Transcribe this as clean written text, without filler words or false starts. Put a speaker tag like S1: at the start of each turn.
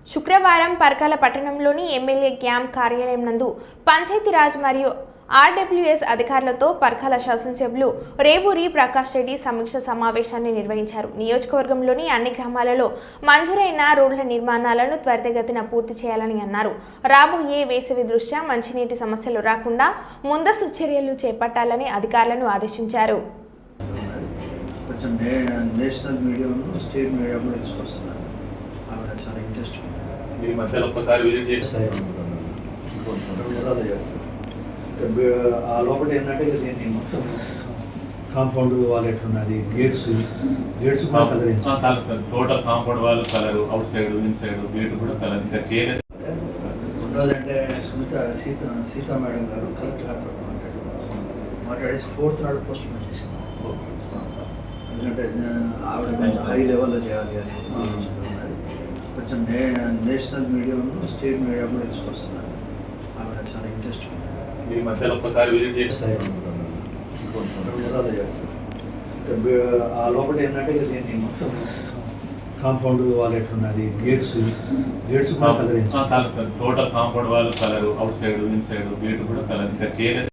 S1: శుక్రవారం పర్కాల పట్టణంలోని MLA camp కార్యాలయం నందు పంచాయతీరాజ్ మరియు ఆర్డబ్ల్యూఎస్ అధికారులతో పర్కాల శాసనసభ్యులు రేవూరి ప్రకాష్ రెడ్డి సమీక్ష సమావేశాన్ని నిర్వహించారు. నియోజకవర్గంలోని అన్ని గ్రామాలలో మంజూరైన రోడ్ల నిర్మాణాలను త్వరితగతిన పూర్తి చేయాలని అన్నారు. రాబోయే వేసవి దృష్ట్యా మంచినీటి సమస్యలు రాకుండా ముందస్తు చర్యలు చేపట్టాలని అధికారులను ఆదేశించారు.
S2: నేషనల్ మీడియాను స్టేట్ మీడియా కూడా తీసుకొస్తున్నారు. ఆవిడ చాలా ఇంట్రెస్ట్
S3: ఈ మధ్యలో ఒక్కసారి విజిట్ చేస్తారు.
S2: ఆ లోపల ఏంటంటే దీన్ని మొత్తం కాంపౌండ్ వాల్ ఎట్లున్నది, గేట్స్ కూడా colour
S3: sir total compound wall colour, outside inside gate కూడా కలర్ ఇంకా చేయలేదు.
S2: రెండోది అంటే సీతా మేడం గారు కలెక్టర్ గారితో మాట్లాడేసి 4th నాడు పోస్ట్ పోన్ చేసింది. ఎందుకంటే ఆవిడ కొంచెం హై లెవెల్లో చేయాలి అని ఆలోచన ఉన్నది. కొంచెం నేషనల్ మీడియాను స్టేట్ మీడియా కూడా తీసుకొస్తున్నారు. ఆవిడ చాలా ఇంట్రెస్ట్
S3: ఈ మధ్యలో ఒక్కసారి విజిట్ చేస్తారు.
S2: ఆ లోపల ఏంటంటే దీన్ని మొత్తం కాంపౌండ్ వాల్ ఎట్లున్నది, గేట్స్ కూడా colour
S3: sir total compound wall colour, outside inside gate కూడా కలర్ ఇంకా చేయలేదు.